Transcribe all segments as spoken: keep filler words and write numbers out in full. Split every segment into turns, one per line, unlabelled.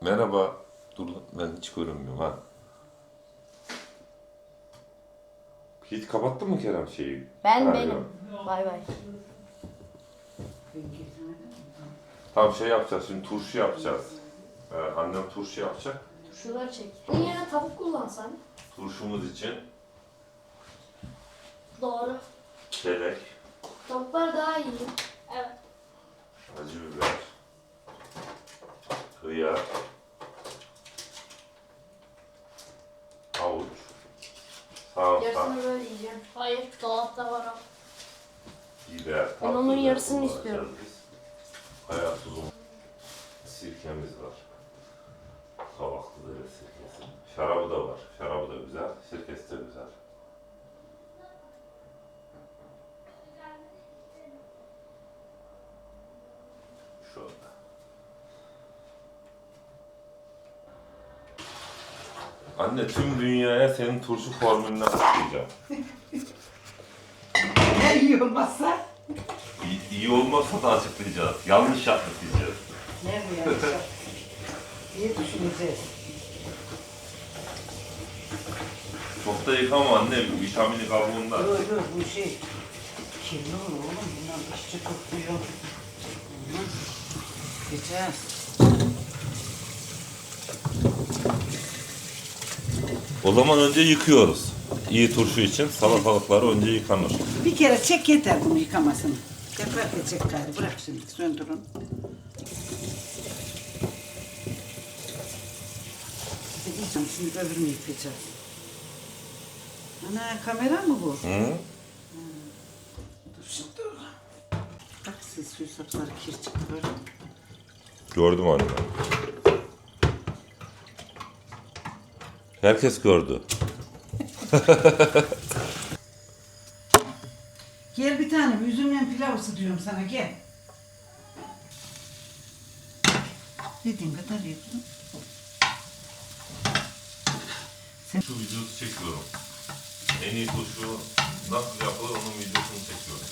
Merhaba. Dur lan, ben hiç görünmüyorum ha. Hiç kapattın mı Kerem şeyi?
Ben
Ha,
benim.
yok.
Bay bay.
Tamam şey yapacağız şimdi turşu yapacağız. Ee, annem turşu yapacak.
Şuraları çek. Bunun yerine tavuk kullansan.
Turşumuz için
Doğru.
çelek,
Tavuklar daha iyi. Evet.
acı biber, hıyar, havuç, sarımsak,
Yarısını böyle yiyeceğim. Hayır, dolapta var o.
biber,
Ben onun
tatlı biber
yarısını
kullanacağız
istiyorum.
biz. Kaya tuzu, sirkemiz var. Kavaklı dere sirkesi. Şarabı da var. Şarabı da güzel, sirkesi de güzel. Şöyle. Anne tüm dünyaya senin turşu formülünü açıklayacağım.
Ne iyi olmazsa?
İyi, iyi olmazsa da açıklayacağız. Yanlış yaptık diyeceğiz.
Ne bu yani? İyi düşüneceğiz.
Çok da yıkama anne, vitamini kabuğunda.
Yok yok bu şey kirli olur oğlum. Bundan işçi kokuyor. Olmaz. Geçer.
O zaman önce yıkıyoruz. İyi turşu için salatalıkları önce yıkanır.
Bir kere çek yeter bunu yıkamasını. Tekrar da çek gayrı. Bırak şimdi söndürün. Size diyeceğim şimdi öbürünü yıkayacağız. Ana kamera mı bu?
Hı?
Dur şimdi dur. Bak siz su sapları kir çıktı böyle.
Gördüm anne. Herkes gördü.
Gel bir tane üzümle pilav ısıtıyorum sana gel. Dediğin kadar yapın.
Şu videosu çekiyorum. En iyi turşu nasıl yapılır onun videosunu çekiyorum.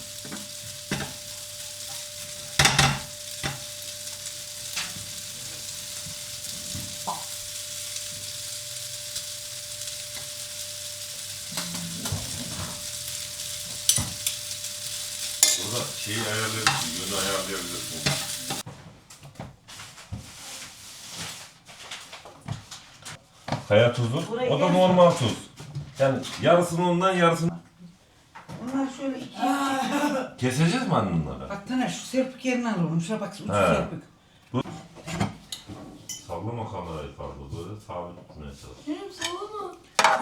Burada şeyi ayarlayabilirsin, yönü ayarlayabilirsin. Kaya tuzu,
Burayı
o da
yer-
normal tuz. Yani yarısını ondan yarısını...
Bunlar şöyle iki
Keseceğiz mi anne bunları?
Bak Taner şu serpik yerini alalım. Şuna bak ucu
He.
serpik.
Sallama kamerayı fazla, böyle sabit tutmaya çalış.
Benim salonu.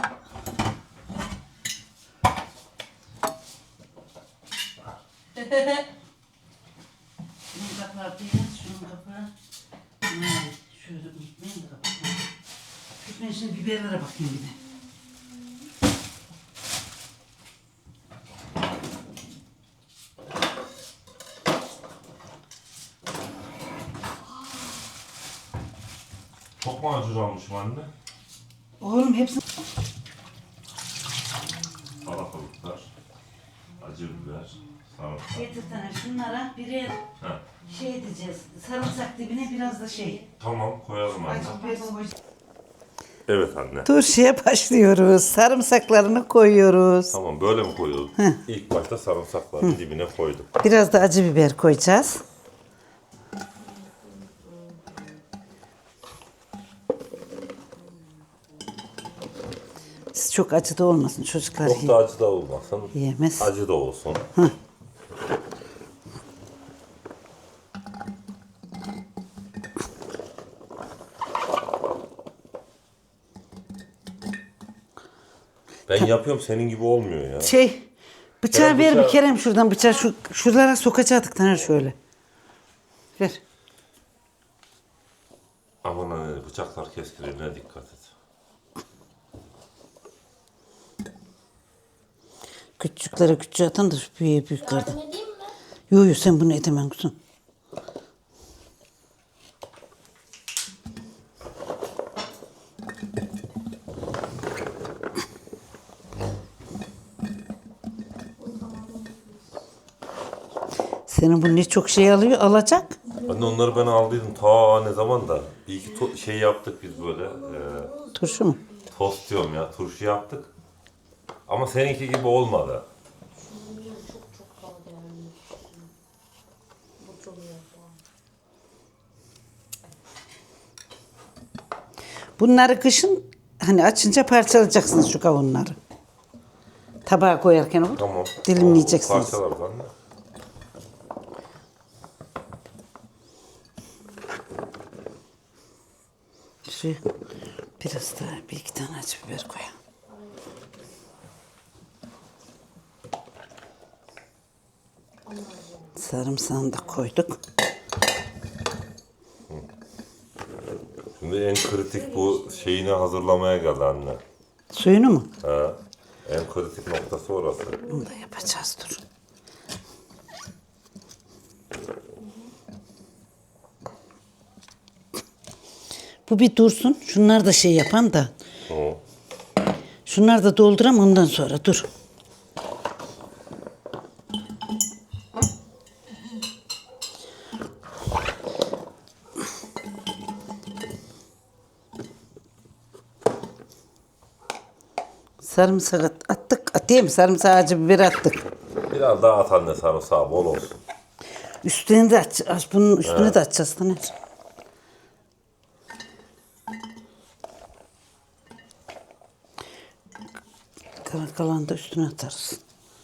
Şunun kapağı beyaz, şunun kapağı. Bunlar şöyle unutmayın da kapatmayın. Ben şimdi biberlere bakayım bir de.
Çok mu acı almışım anne?
Oğlum hepsini...
Salatalıklar, acı biber, sarımsak.
Getir Taner şunlara birer
Ha.
şey edeceğiz. Sarımsak dibine biraz da şey.
Tamam, koyalım anne.
Acı biber koy.
Evet anne.
Turşuya başlıyoruz. Sarımsaklarını koyuyoruz.
Tamam, böyle mi koyuyoruz? İlk başta sarımsakları dibine koyduk.
Biraz da acı biber koyacağız. Siz çok acı da olmasın çocuklar.
Çok da acı da olmasın.
Yiyemez.
Acı da olsun. Ben yapıyorum, senin gibi olmuyor ya.
Şey, bıçağı
Kerem,
ver bir
bıçağı-
Kerem şuradan bıçağı şu şuralara sokacaktık Taner şöyle. Ver.
Aman anne, bıçaklar keskinliğine dikkat et.
Küçüklere küçüğe atan da büyüğe büyüklerden.
Yardım edeyim mi?
Yo yo sen bunu edemem kuzum. Senin bu ne çok şey alıyor, alacak.
Anne onları ben aldıydım ta ne zaman da. Bir iki to- şey yaptık biz böyle. E,
Turşu mu?
tost diyorum ya, turşu yaptık. Ama seninki gibi olmadı.
Çok çok daha değerli. Bu çok iyi.
Bunları kışın hani açınca parçalayacaksınız şu kavunları. Tabağa koyarken olur.
Tamam.
Dilimleyeceksiniz.
Parçalarız anne.
Şu biraz daha bir iki tane acı biber koyalım. Sarımsağını da koyduk.
Şimdi en kritik bu şeyini hazırlamaya geldi anne.
Suyunu mu?
Ha. En kritik noktası orası.
Bunu da yapacağız dur. Bu bir dursun. Şunlar da şey yapan da.
Hı.
Şunlar da dolduram ondan sonra dur. Sarımsak at- attık. Atayım mı? Sarımsak acı biber attık.
Biraz daha at anne sarımsağı bol olsun.
Üstüne de aç. aç bunun üstüne de açacağız. Taner. Kalan kalan da üstüne atarız.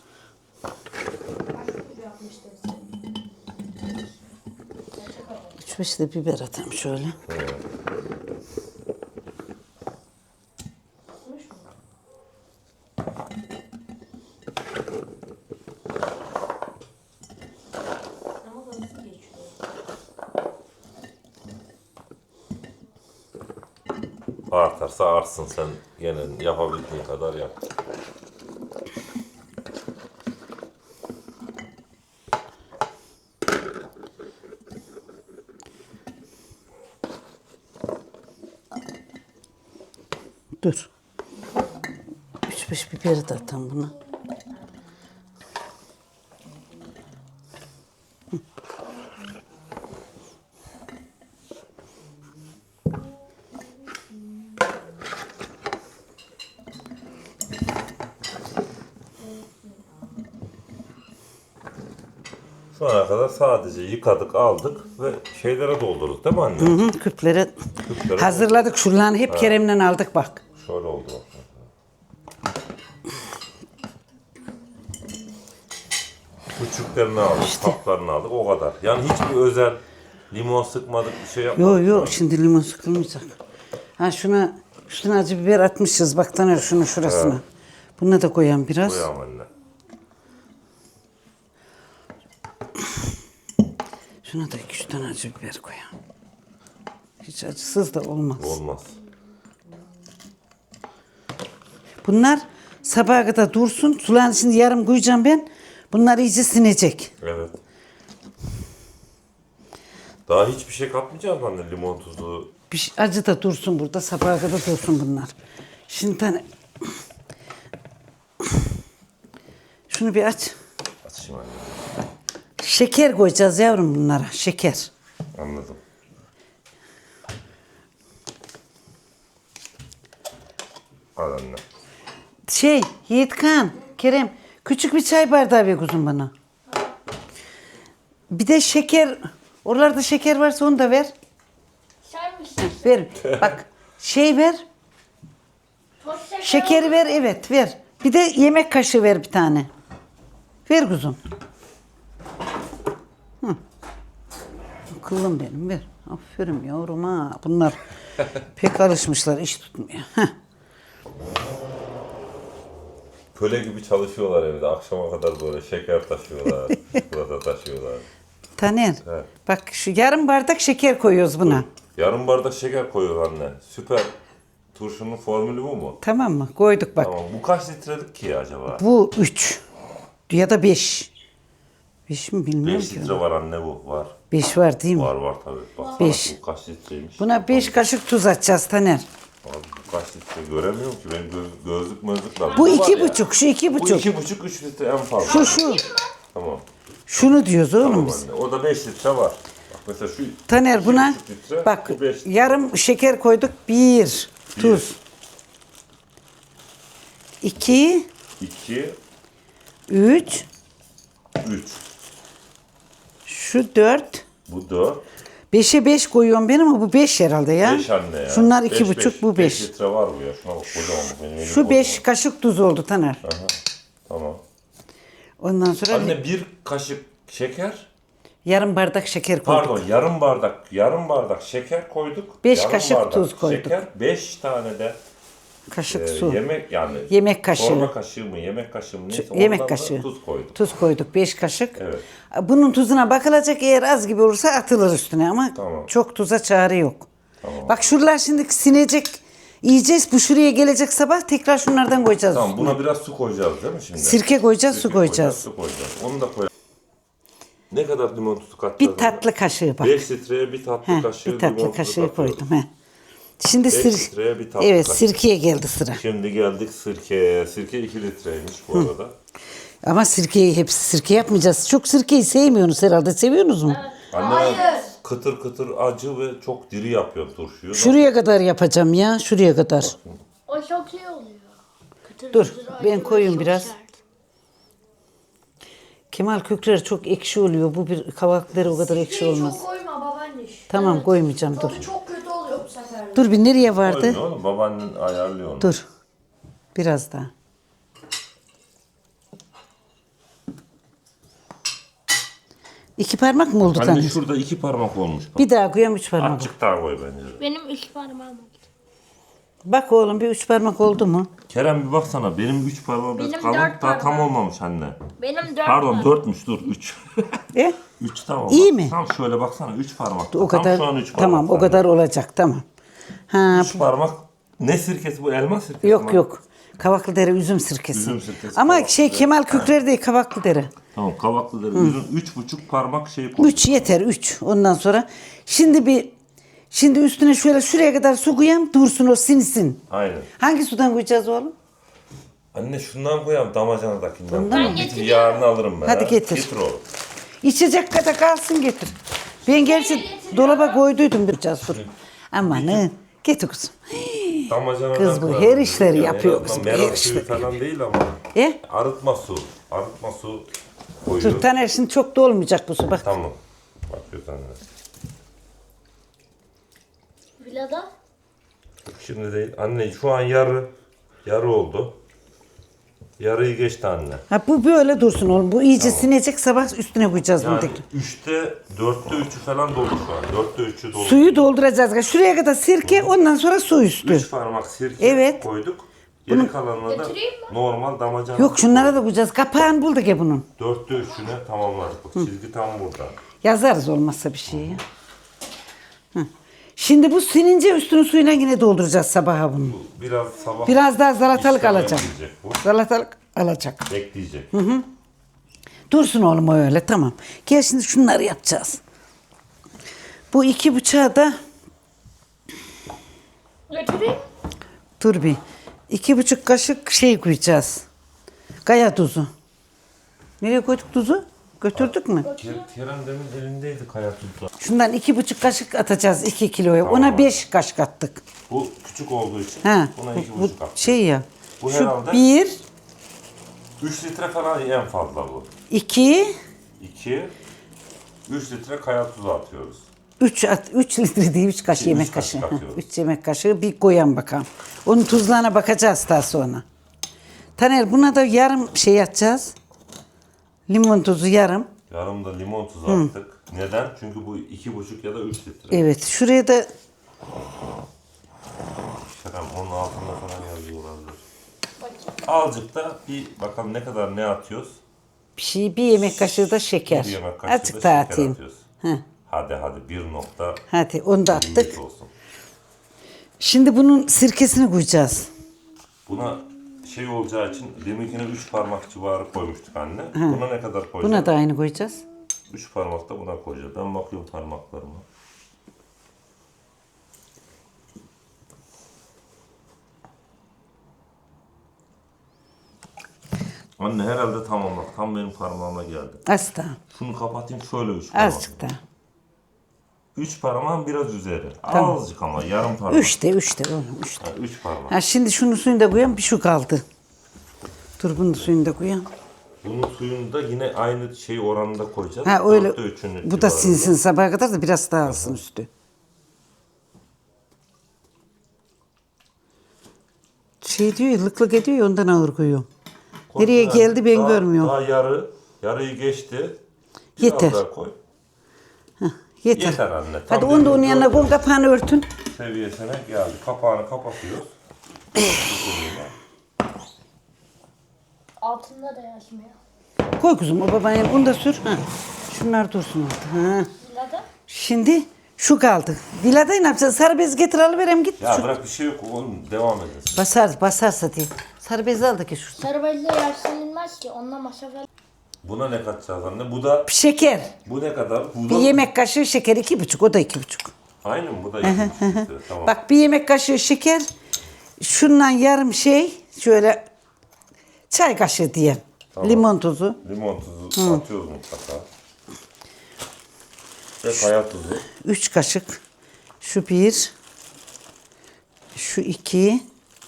Üç beş de biber atalım şöyle.
Ama da nasıl geçiyor?
Artarsa artsın, sen gene yapabildiğin kadar yap.
Dur. Üç beş biberi de atalım buna.
Şu ana kadar sadece yıkadık, aldık ve şeylere doldurduk değil mi anne?
Hı hı, küplere
Küplere
hazırladık. Şuralarını hep Kerem'den aldık bak.
Şöyle oldu. Küçüklerini aldık, kaplarını aldık, o kadar. Yani hiçbir özel limon sıkmadık, bir şey yapmadık.
Yok yok şimdi limon sıkılmayacak. Ha şuna üstüne acı biber atmışız. Bak Taner şunu şurasına. Buna da koyalım biraz.
Koyalım anne.
Şuna da iki üç tane acı biber koyalım. Hiç acısız da olmaz.
Olmaz.
Bunlar sabaha kadar dursun. Suların şimdi yarım koyacağım ben. Bunlar iyice sinecek.
Evet. Daha hiçbir şey katmayacağız mı anne? Limon tuzu.
Bir şey- acı da dursun burada. Sabaha kadar dursun bunlar. Şimdi tane şunu bir aç.
Açayım anne.
Şeker koyacağız yavrum bunlara. Şeker.
Anladım. Al anne.
Şey Yiğitkan, Kerem küçük bir çay bardağı ver kuzum bana. Bir de şeker. Oralarda şeker varsa onu da ver.
Sen misin?
Ver. Bak şey ver.
Toz şeker
Şekeri ver evet ver. Bir de yemek kaşığı ver bir tane. Ver kuzum. Hı. Kıllım benim ver. Aferin yavrum ha. Bunlar pek alışmışlar iş tutmuyor. Heh.
Köle gibi çalışıyorlar evde. Akşama kadar böyle şeker taşıyorlar. Çikolata taşıyorlar.
Taner
Evet.
bak şu yarım bardak şeker koyuyoruz buna.
Yarım bardak şeker koyuyor anne. Süper. Turşunun formülü bu mu?
Tamam mı? Koyduk bak.
Tamam. Bu kaç litrelik ki acaba?
Bu üç ya da beş. Beş mi bilmiyorum
beş
ki.
litre var anne bu. Var.
Beş var değil mi?
Var var tabii. Baksana
Beş.
bu kaç litreymiş.
Buna beş kaşık tuz atacağız Taner.
Abi bu kaç litre göremiyorum ki. Benim göz, gözlük mözlük var.
Bu
var
iki
ya.
buçuk, şu iki
Bu
buçuk.
iki buçuk, üç litre en fazla.
Şu şu.
Tamam.
Şunu diyoruz oğlum
Tamam
biz.
anne. Orada beş litre var. Bak Mesela şu
Taner buna
iki buçuk litre,
bak
bu beş litre.
yarım şeker koyduk. Bir, tuz. iki,
iki,
üç,
üç.
şu dört.
Bu dört.
Beşe beş koyuyorum ben ama bu beş herhalde ya.
beş anne ya.
Şunlar
Beş,
iki buçuk,
beş.
bu
beş
beş.
litre var bu ya. Şuna bak kocaman bu. Benim elim
Şu
kocaman.
beş kaşık tuz oldu Taner.
Aha, tamam.
Ondan sonra
Anne bir kaşık şeker.
yarım bardak şeker koyduk.
Pardon yarım bardak yarım bardak şeker koyduk.
Beş
Yarım
kaşık
bardak
tuz koyduk.
Şeker, beş tane de
Kaşık
e,
su.
yemek yani.
Yemek kaşığı.
Çorba kaşığı mı yemek kaşığı mı neyse
yemek
ondan da
kaşığı.
tuz koyduk.
Tuz koyduk beş kaşık.
Evet.
Bunun tuzuna bakılacak, eğer az gibi olursa atılır üstüne ama
Tamam.
çok tuza çare yok.
Tamam.
Bak şuralar şimdi sinecek, yiyeceğiz. Bu şuraya gelecek sabah, tekrar şunlardan koyacağız
Tamam
üstüne.
buna biraz su koyacağız değil mi şimdi?
Sirke koyacağız,
Sirke
su koyacağız.
Su koyacağız. Onu da koyalım. Ne kadar limon tuzu katacağız?
Bir tatlı kaşığı bak.
beş litreye bir tatlı
Heh,
kaşığı
bir tatlı
limon tuzu
kaşığı
katıyoruz.
koydum. He. Şimdi
beş
sir
litreye bir tatlı
evet,
kaşığı.
sirkeye geldi sıra.
Şimdi geldik sirkeye. Sirke iki litreymiş bu arada.
Ama sirkeyi hepsi sirke yapmayacağız. Çok sirkeyi sevmiyorsunuz herhalde. Seviyorsunuz mu?
Anne
Hayır.
kıtır kıtır acı ve çok diri yapıyor turşuyu.
Şuraya kadar yapacağım ya. Şuraya kadar.
O çok iyi oluyor. Kıtır
Dur,
kıtır
ben
acı
koyayım
ve çok
biraz.
sert.
Kemal kökleri çok ekşi oluyor. Bu bir kavakları o kadar ekşi
Şeyi
olmaz.
çok koyma babaanne.
Tamam, koymayacağım, dur.
Tadı çok kötü oluyor bu sefer.
Dur bir nereye vardı?
Koymuyor oğlum babaannen ayarlıyor onu.
Dur. Biraz daha. İki parmak mı oldu
Anne
Taner?
şurada iki parmak olmuş. Bak.
Bir daha koyayım, üç parmak.
Azıcık daha koy bence.
Benim üç parmağım oldu.
Bak oğlum, bir üç parmak oldu mu?
Kerem bir baksana benim üç parmağım biraz
Benim
kalın
dört
daha tam
parmağım.
olmamış anne.
Benim dört
Pardon
parmağım.
dörtmüş dur üç.
E?
Üç tamam.
İyi
bak.
mi?
Tam şöyle baksana üç parmak.
O kadar.
Tam şu an üç parmak.
Tamam, o
anne.
kadar olacak, tamam. Ha,
Üç parmak. Ne sirkesi bu elma sirkesi mi?
yok yok. Kavaklıdere üzüm sirkesi.
Üzüm sirkesi,
Ama
Kavaklıdere.
şey Kemal Kükrer değil, Kavaklıdere.
Tamam kavaklı derim. Üzüm üç buçuk parmak şey koy.
Üç yeter, üç. Ondan sonra şimdi bir şimdi üstüne şöyle şuraya kadar su koyayım, dursun o sinsin.
Aynen.
Hangi sudan koyacağız oğlum?
Anne şundan koyalım damacanadakinden.
Bundan
mı?
mı?
Getir yarını alırım ben.
Hadi
ha.
getir.
Getir oğlum.
İçecek kadar kalsın, getir. Ben gerçi dolaba koyduydum biraz dur. Amanın. Getir kızım.
Damacanadan
Kız bu
koyalım.
her işleri
Yani
yapıyor
en
kız,
azından
bu
merak
her
suyu
işleri.
falan değil ama.
E?
Arıtma su. Arıtma su koyuyor.
Dur Taner, şimdi çok da olmayacak bu su bak.
Tamam. Bakıyor anne.
Villada.
Şimdi değil. Anne şu an yarı. Yarı oldu. Yarıyı geçti anne.
Ha, bu böyle dursun oğlum. Bu iyice sinecek, sabah üstüne koyacağız bunu
Yani
tekrar.
üçte, dörtte üçü falan dolu şu an. Dörtte üçü dolu.
Suyu dolduracağız. Şuraya kadar sirke, ondan sonra su üstü.
Üç parmak sirke
Evet.
koyduk. Geri kalanına da
Getireyim mi?
normal damacana.
Yok, şunlara da koyacağız. Kapağını bulduk ya bunun.
Dörtte üçüne tamamladık. Bak, çizgi tam burada.
Yazarız olmazsa bir şey ya. Hı. Şimdi bu sinince üstünü suyuna yine dolduracağız sabaha bunu.
Bu biraz sabah
Biraz daha salatalık
işlem
alacağım.
bekleyecek bu.
Salatalık alacak.
Bekleyecek.
Dursun oğlum o öyle, tamam. Gel şimdi şunları yapacağız. Bu iki bıçağı da
Getireyim.
dur bir. İki buçuk kaşık şey koyacağız. Kaya tuzu. Nereye koyduk tuzu? Götürdük mü?
Ker- Kerem demin elindeydi kaya tuzu.
Şundan iki buçuk kaşık atacağız iki kiloya.
Tamam.
Ona beş kaşık attık.
Bu küçük olduğu için
Ha,
buna iki
bu,
buçuk at.
şey ya.
Bu
şu
herhalde-
bir,
Üç litre falan en fazla bu.
iki,
İki, üç litre kaya tuzu atıyoruz.
üç, at, üç litre değil, üç kaşık
Üç
yemek
kaşık
kaşığı.
atıyoruz.
Üç yemek kaşığı bir koyan bakalım. Onun tuzlarına bakacağız daha sonra. Taner, buna da yarım şey atacağız. Limon tuzu yarım.
Yarım da limon tuzu attık. Neden? Çünkü bu iki buçuk ya da üç litre.
Evet, şuraya da
Kerem onun altında falan yazıyor olabilir. Azıcık da bir bakalım ne kadar ne atıyoruz.
bir şey, bir yemek kaşığı da şeker.
Bir yemek kaşığı
Azıcık
da
daha
şeker
atayım.
atıyoruz.
Heh.
Hadi hadi bir nokta
Hadi onu da
yirmi beş
attık.
olsun.
Şimdi bunun sirkesini koyacağız.
Buna şey olacağı için deminkine üç parmak civarı koymuştuk anne. Buna ne kadar koyacağız?
Buna da aynı koyacağız.
üç parmak da buna koyacağız. Ben bakıyorum parmaklarıma. Anne herhalde tamam bak. Tam benim parmağıma geldi.
Az daha.
Şunu kapatayım şöyle üç parmak.
Azıcık daha.
Üç parmağın biraz üzeri.
Tamam.
Azıcık ama yarım parmak.
Üçte, üçte oğlum, üçte.
Ha, üç parmak.
Ha, şimdi şunun suyunu da koyalım, bir şu kaldı. Dur bunun suyunu da koyalım.
Bunun suyunu da yine aynı şey oranında koyacağız.
Ha öyle,
Dörtte üçünü
bu da
civarında.
sinsin sabaha kadar da biraz daha alsın üstü. Şey diyor ya, lık lık ediyor ya, ondan ağır koyuyorum.
Koy
Nereye
biraz.
geldi ben
Daha-
görmüyorum.
Daha yarı, yarıyı geçti. Biraz
Yeter.
daha koy.
Yeter.
Yeter anne. Tam
Hadi onu da onun
dediğim
yanına
dört
koy, kapağını örtün.
seviyesine geldi. Kapağını kapatıyoruz.
Altında da yaşmıyor.
Koy kuzum, o babanın onu da sür. Ha. Şunlar dursun orada. Ha.
Vilada.
Şimdi şu kaldı. Viladayı ne yapacağız? Sarı bez getir alıverem git.
Ya
Şu-
bırak bir şey yok. Oğlum devam edeceğiz.
Basar, basarsa diye. Sarı bezi al da ki şurada.
Sarı bezle yaşlanılmaz ki. Onunla masraf.
Buna ne katacağız anne? Bu da
Şeker.
bu ne kadar? Bu
Bir
da
yemek kaşığı şeker iki buçuk. O da iki buçuk.
aynı mı? Bu da iki buçuk litre. Tamam.
Bak bir yemek kaşığı şeker. Şundan yarım şey. Şöyle çay kaşığı diye.
Tamam.
Limon tuzu.
Limon tuzu atıyoruz mutlaka. Ve kaya tuzu.
Üç kaşık. Şu bir. Şu iki.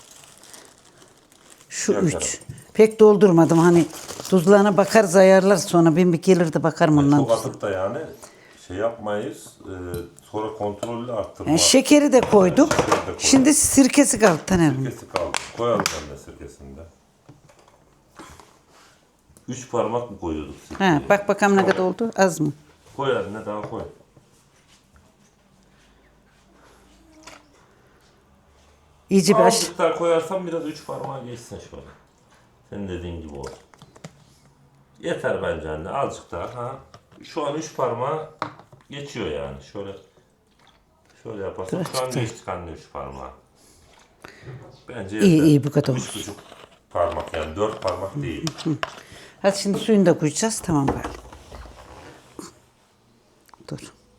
Şu
Yakarım.
üç. Pek doldurmadım. Hani tuzlarına bakarız, ayarlar sonra. Ben bir gelir de bakarım ondan.
Çok atıp da yani şey yapmayız. E, sonra kontrollü arttırma.
Yani şekeri de koyduk.
Şekeri de koyduk.
Şimdi sirkesi kaldı Taner'im.
Sirkesi kaldı. Koyalım anne sirkesinde. Üç parmak mı koyuyorduk sirkeyi?
Ha, bak bakalım ne kadar oldu. Az mı?
Koy anne daha koy.
İyice bir aş.
Azıcık daha koyarsam biraz üç parmağa geçsin şöyle. Senin dediğin gibi olsun. Yeter bence anne. Azıcık daha. Ha. Şu an üç parmağı geçiyor yani. Şöyle şöyle yaparsan. Şu an geçtik anne üç parmağı. Bence yeter.
İyi, iyi, bu kadar
Üç
olsun.
buçuk parmak yani. Dört parmak değil.
Hadi şimdi suyunu da koyacağız. Tamam galiba. Dur.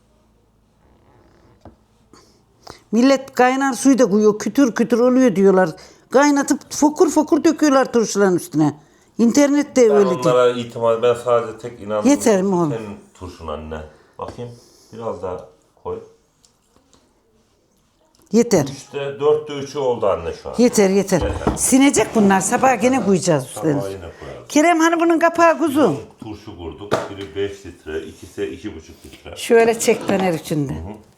Millet kaynar suyu da koyuyor. Kütür kütür oluyor diyorlar. Kaynatıp fokur fokur döküyorlar turşuların üstüne. İnternette
Ben
öyle diyor.
onlara itimat, ben sadece tek inandığım
Yeter mi oğlum?
senin turşun anne. Bakayım biraz daha koy.
Yeter.
Üçte dörtte üçü oldu anne şu an.
Yeter yeter.
Yeter.
Sinecek bunlar. Sabah gene koyacağız üstlerine.
Sabah yine koyarız.
Kerem hani bunun kapağı kuzum.
Turşu kurduk. Biri beş litre, ikisi iki buçuk litre.
Şöyle çek Taner içinde.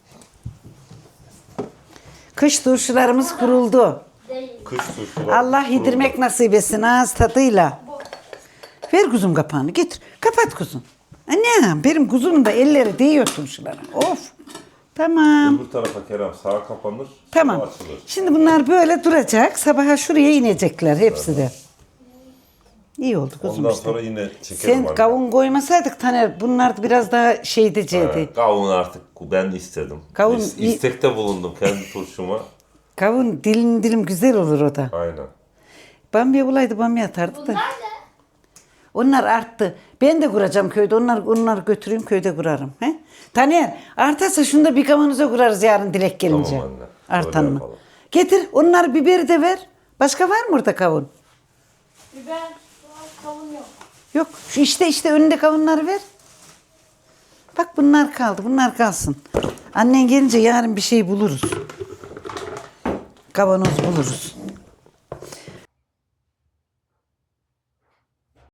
Kış turşularımız kuruldu.
Değil.
Kış turşular.
Allah yedirmek nasip etsin ağız tadıyla. Ver kuzum kapağını getir. Kapat kuzum. Anne benim kuzumun da elleri değiyor turşulara. Of. Tamam.
Öbür tarafa Kerem sağa kapanır.
Tamam.
sola açılır.
Şimdi bunlar böyle duracak. Sabaha şuraya inecekler hepsi de. İyi oldu kuzum
Ondan
işte.
sonra yine çekelim
Sen
anne.
kavun koymasaydık Taner bunlar biraz daha şey diyecekti.
Ha, Kavun artık ben istedim.
Kavun
İs-
iyi-
istekte bulundum kendi turşuma.
Kavun dilim dilim güzel olur o da.
Aynen.
Bamya bulaydı bamya atardı da.
Bunlar ne?
Onlar arttı. Ben de kuracağım köyde. Onlar onları götüreyim köyde kurarım. He? Taner artarsa şunu da bir kavanoza kurarız yarın Dilek gelince.
Tamam anne,
Artan
öyle
mı?
yapalım.
Getir onları biberi de ver. Başka var mı orada kavun?
Biber, kavun yok.
Yok. Şu işte işte önünde kavunları ver. Bak bunlar kaldı. Bunlar kalsın. Annen gelince yarın bir şey buluruz. Kavanoz buluruz.